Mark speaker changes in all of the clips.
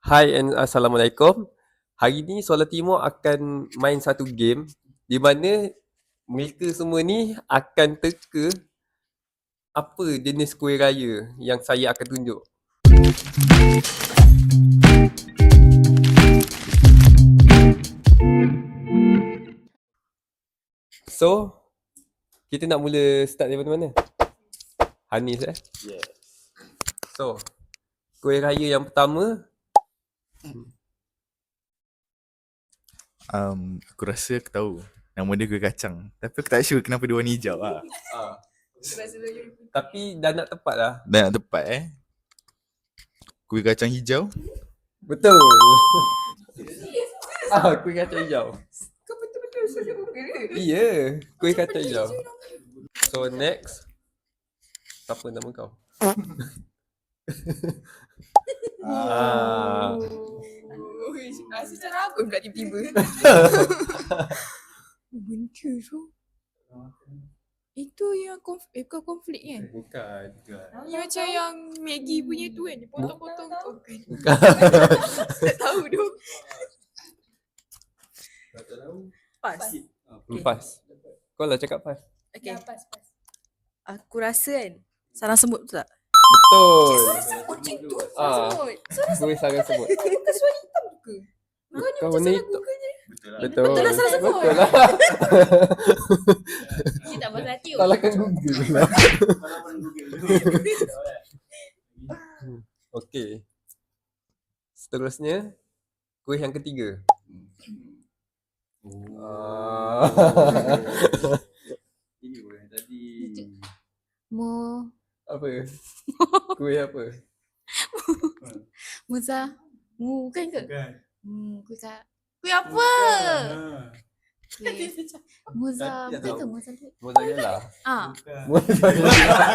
Speaker 1: Hai and Assalamualaikum. Hari ni Solar Timur akan main satu game di mana mereka semua ni akan teka apa jenis kuih raya yang saya akan tunjuk. So, kita nak mula start daripada mana? Hanis
Speaker 2: Yes.
Speaker 1: So, kuih raya yang pertama,
Speaker 2: Aku rasa aku tahu. Nama dia kuih kacang. Tapi aku tak sure kenapa dia warna hijau lah.
Speaker 1: tapi dah nak tepat lah.
Speaker 2: Dah nak tepat Kuih kacang hijau.
Speaker 1: Betul. Kuih kacang hijau.
Speaker 3: Kau betul-betul sudah bela.
Speaker 1: Iya, kuih kacang hijau. So next, siapa nama kau?
Speaker 3: Secara apa pula tiba-tiba? Benda tu. Itu yang bukan konflik kan?
Speaker 1: Bukan.
Speaker 3: Yang macam yang Maggie punya tu kan? Dia potong-potong tu kan? Tak tahu tu. Pas.
Speaker 1: Pas. Kau lah cakap pas.
Speaker 3: Okay. Aku rasa kan sarang semut tu tak?
Speaker 1: Betul.
Speaker 3: Semut macam tu.
Speaker 1: Ah.
Speaker 3: Semut.
Speaker 1: Kuih sarang semut.
Speaker 3: Bukan suara hitam ke? Kau ni
Speaker 1: Kau
Speaker 3: macam
Speaker 1: ni
Speaker 3: salah
Speaker 1: tu-
Speaker 3: Google je.
Speaker 1: Betul.
Speaker 3: Betul lah sarang semut.
Speaker 1: Betul lah.
Speaker 3: Dia tak pasal hati.
Speaker 1: Salahkan Google lah. Okey. Seterusnya, kuih yang ketiga.
Speaker 2: Ini pun yang tadi.
Speaker 3: Mo
Speaker 1: Apa? Kuih apa?
Speaker 3: Muza bukan ke?
Speaker 2: Bukan.
Speaker 3: Kuih kuih apa? Kuih Muza
Speaker 2: Tak
Speaker 3: bukan
Speaker 2: tahu.
Speaker 3: ke Muza tu?
Speaker 1: Mozzarella. Mozzarella.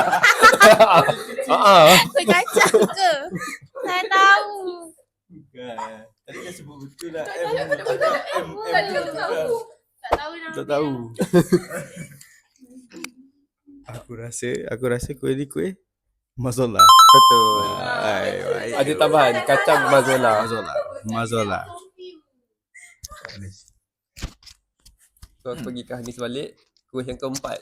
Speaker 3: Kuih kacang ke? Saya tahu.
Speaker 2: Bukan. Tadi kan sebut betul lah.
Speaker 3: Tak tahu nama
Speaker 2: Tak
Speaker 3: dia.
Speaker 2: tahu. Aku rasa kuih ni kuih mazola.
Speaker 1: Betul.
Speaker 2: Baik.
Speaker 1: Ada tambahan kacang mazola.
Speaker 2: Mazola.
Speaker 1: So aku pergi ke Hanis balik. Kuih yang keempat.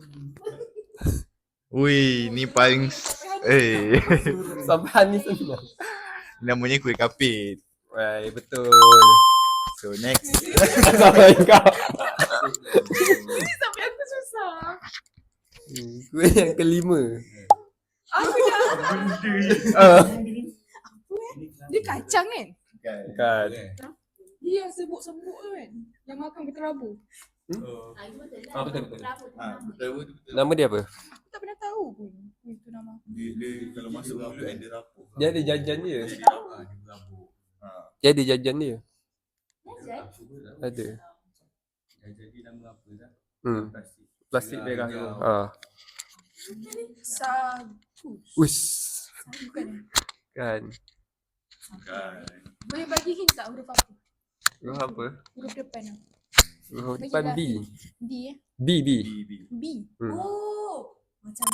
Speaker 2: Ui, ni paling
Speaker 1: Sampai Hanis senang.
Speaker 2: namanya kuih kapit.
Speaker 1: Right, betul.
Speaker 2: So next.
Speaker 1: Sampai kau.
Speaker 3: Sampai aku susah.
Speaker 1: Kuih yang kelima.
Speaker 3: Aku dia kacang kan?
Speaker 1: Bukan.
Speaker 3: Dia yang sebut-sebut tu kan? Yang makan berterabur.
Speaker 1: Betul.
Speaker 2: Betul.
Speaker 1: Nama dia apa?
Speaker 3: Aku tak pernah tahu pun itu nama.
Speaker 2: Dia kalau masuk mulut dia rapuh.
Speaker 1: Dia ada jajan dia.
Speaker 2: Dia berabuk.
Speaker 1: Dia ada jajan dia. Ada.
Speaker 2: Jadi nama apa dah?
Speaker 1: Plastik merah tu.
Speaker 3: Sagu.
Speaker 1: Uish.
Speaker 3: Bukan.
Speaker 1: Kan.
Speaker 3: Boleh bagi hint tak huruf apa?
Speaker 1: Huruf apa?
Speaker 3: Huruf depan lah.
Speaker 1: Huruf depan B.
Speaker 3: D eh?
Speaker 1: B.
Speaker 3: B.
Speaker 1: Hmm.
Speaker 3: Oh. Macam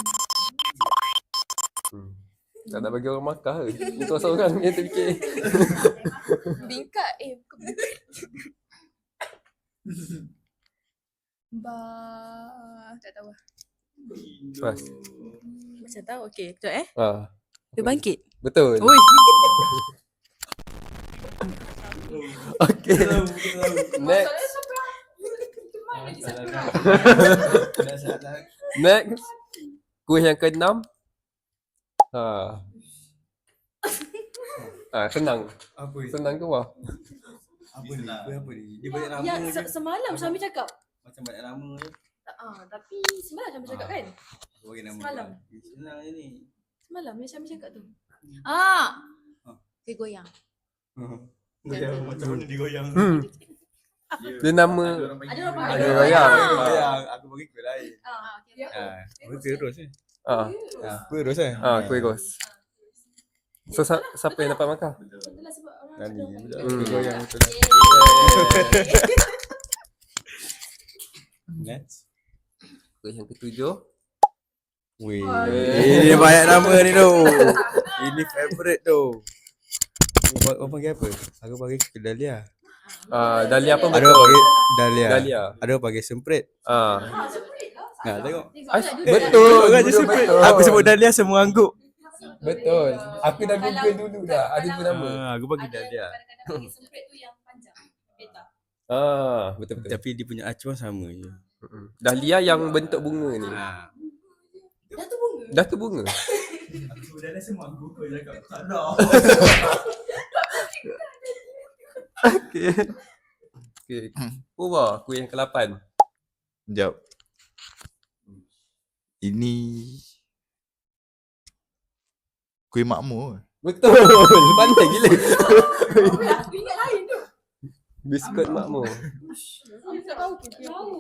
Speaker 1: Tak nak bagi orang makan ke? Untuk seorang yang terfikir.
Speaker 3: bingkat. Bukan bingkat. Tak tahu lah.
Speaker 1: Pas.
Speaker 3: Macam tahu. Okay. Sekejap Dia bangkit.
Speaker 1: Betul.
Speaker 3: Ui.
Speaker 1: Okay. Next. Next. Kuih yang keenam. Senang.
Speaker 2: Apa
Speaker 1: Senang ke wah?
Speaker 2: Apa ni? Apa ni? Dia banyak nama
Speaker 4: Yang
Speaker 2: je.
Speaker 4: semalam Syamil cakap.
Speaker 2: Macam banyak nama je.
Speaker 4: Tapi semalam Syamil cakap kan?
Speaker 2: Aku bagi nama.
Speaker 4: Semalam.
Speaker 2: Senang je ni.
Speaker 4: Semalam yang Syamil cakap tu.
Speaker 3: Dia goyang.
Speaker 2: Macam mana digoyang?
Speaker 1: Dia nama
Speaker 4: Ada orang panggil.
Speaker 1: Ada goyang.
Speaker 2: Goyang. Aku bagi kuih lain.
Speaker 4: Okay.
Speaker 2: Kuih terus Kuih terus
Speaker 1: kuih ros. So siapa yang dapat makan?
Speaker 4: Betul lah sebab orang
Speaker 2: Nani.
Speaker 4: cakap
Speaker 2: Kuih goyang betul. Next.
Speaker 1: Kuih yang ketujuh.
Speaker 2: Weh. Ini banyak nama ni tu. Ini favorite tu.
Speaker 5: Orang panggil apa? Aku panggil ke Dahlia.
Speaker 1: Dahlia apa
Speaker 5: Ada
Speaker 1: betul?
Speaker 5: orang panggil Dahlia.
Speaker 1: Dahlia.
Speaker 5: Ada orang panggil semprit. Nah, tengok.
Speaker 1: Betul.
Speaker 5: Orang je
Speaker 1: Betul,
Speaker 5: semprit.
Speaker 1: betul.
Speaker 5: Aku sebut Dahlia semua angguk.
Speaker 1: Betul. Aku dah google dulu dah. Ada tu nama.
Speaker 5: Aku panggil Dahlia.
Speaker 4: Kadang-kadang panggil semprit tu yang panjang. Beta.
Speaker 1: Betul.
Speaker 5: Tapi dia punya acuan sama je.
Speaker 1: Dahlia yang bentuk bunga ni.
Speaker 4: Dah tu bunga.
Speaker 1: Dah tu bunga.
Speaker 5: Aku sebut Dahlia semua angguk. Kau cakap tak ada.
Speaker 1: Okay. Pura, kuih yang ke-8.
Speaker 2: Sekejap. Ini kuih makmur.
Speaker 1: Betul. Pandai gila.
Speaker 4: Aku ingat lain tu.
Speaker 1: Biskut makmur.
Speaker 4: Aku tak tahu. Tahu.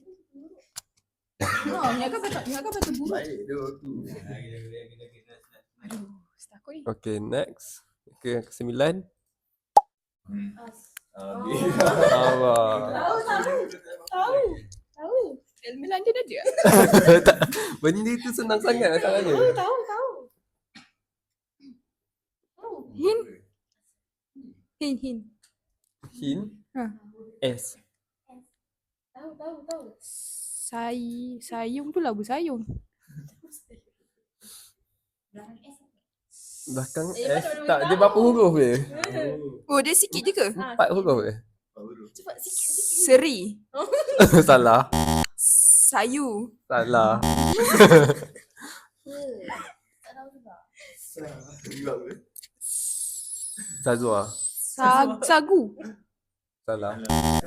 Speaker 3: Yang kan betul buruk.
Speaker 1: Baik tu.
Speaker 3: Aduh, takut ni.
Speaker 1: Okay, next. Ke ke-9. Allah.
Speaker 4: Tahu.
Speaker 3: Ilmu London ada.
Speaker 1: Tak, benda tu senang sangat masalahnya.
Speaker 4: Tahu.
Speaker 3: Hin.
Speaker 1: Hin.
Speaker 3: Ha.
Speaker 1: S.
Speaker 4: Tahu.
Speaker 3: Sayung tu labu sayung.
Speaker 1: Belakang S. Tak, dia berapa huruf je?
Speaker 3: Oh, dia sikit je ke?
Speaker 1: 4 huruf je?
Speaker 4: Cepat sikit.
Speaker 3: Seri.
Speaker 1: Salah.
Speaker 3: Sayu.
Speaker 1: Salah.
Speaker 4: Tak tahu juga.
Speaker 1: Sazwa.
Speaker 3: Sagu.
Speaker 1: Salah.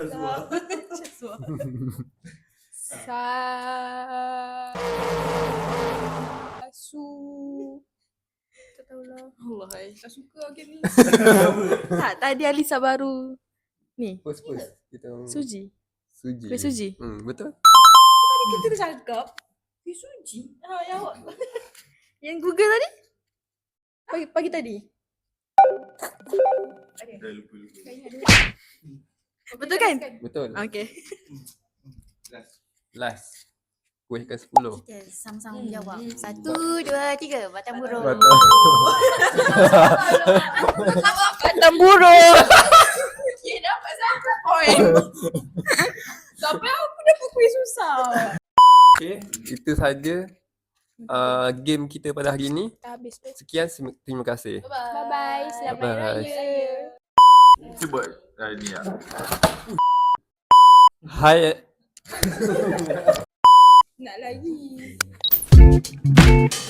Speaker 3: Tak tahulah. Allah, tak suka game ni.
Speaker 4: Tak, tadi Alisa baru ni.
Speaker 1: Pus. Kita
Speaker 4: Suji.
Speaker 1: Suji.
Speaker 4: Kuih suji.
Speaker 1: Betul.
Speaker 4: Tadi kita dah cakap. Kuih suji. Yang awak. Yang Google tadi? Pagi tadi. Betul kan?
Speaker 1: Betul.
Speaker 4: Okay.
Speaker 1: Last. Kuih ke-10.
Speaker 6: Okay, sama-sama menjawab. 1, 2, 3. Batang burung.
Speaker 1: Betul.
Speaker 3: Batang burung. Okay, dapat satu point. Sampai aku dapat kuih susah.
Speaker 1: Okay, itu saja game kita pada hari ini.
Speaker 3: Dah habis tu.
Speaker 1: Sekian, terima kasih.
Speaker 3: Bye-bye. Selamat
Speaker 1: Bye-bye.
Speaker 3: Raya.
Speaker 2: Cuba ni lah.
Speaker 3: Nak lagi.